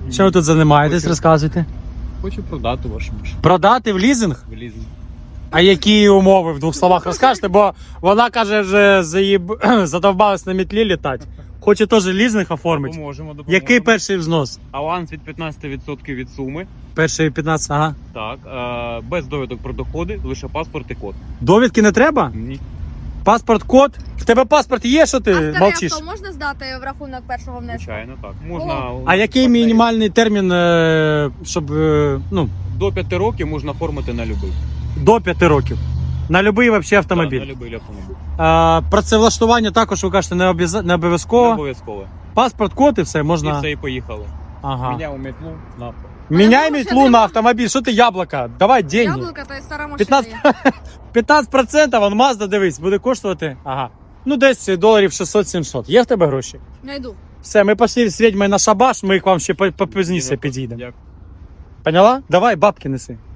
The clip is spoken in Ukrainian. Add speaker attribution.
Speaker 1: Що ви тут займаєтесь, розказуйте?
Speaker 2: Хочу продати вашу машину.
Speaker 1: Продати в лізинг?
Speaker 2: В лізинг.
Speaker 1: А які умови в двох словах розкажете? Бо вона каже, вже задовбалась на метлі літати. Хоче теж лізинг оформити.
Speaker 2: Допоможемо.
Speaker 1: Який перший взнос?
Speaker 2: Аванс від 15% від суми.
Speaker 1: Перший 15, ага.
Speaker 2: Так. Без довідок про доходи, лише паспорт і код.
Speaker 1: Довідки не треба?
Speaker 2: Ні.
Speaker 1: Паспорт, код? В тебе паспорт є, що ти
Speaker 3: А старе
Speaker 1: мовчиш?
Speaker 3: авто можна здати в рахунок першого внеску?
Speaker 2: Звичайно, так. Можна.
Speaker 1: А який мінімальний термін, щоб,
Speaker 2: До 5 років можна оформити на любий.
Speaker 1: до 5 років? На будь-який вообще автомобіль?
Speaker 2: Так, на любий автомобіль.
Speaker 1: Працевлаштування також, ви кажете, не
Speaker 2: Не
Speaker 1: обов'язково.
Speaker 2: обов'язково.
Speaker 1: Паспорт, код і все,
Speaker 2: І
Speaker 1: можна.
Speaker 2: все, і поїхали.
Speaker 1: Ага.
Speaker 2: Міняв метлу на
Speaker 1: Міняй
Speaker 3: Але
Speaker 1: метлу на автомобіль, що ти яблука? Давай деньги.
Speaker 3: Яблука та й стара машина
Speaker 1: 15,
Speaker 3: є.
Speaker 1: 15%, вон Mazda, дивись, буде коштувати. Ага. Ну, десь доларів 600-700. Є в тебе гроші?
Speaker 3: Найду.
Speaker 1: Все, ми пішли з відьмою на шабаш, ми к вам ще попізніше підійдемо.
Speaker 2: Дякую.
Speaker 1: Поняла? Давай, бабки неси.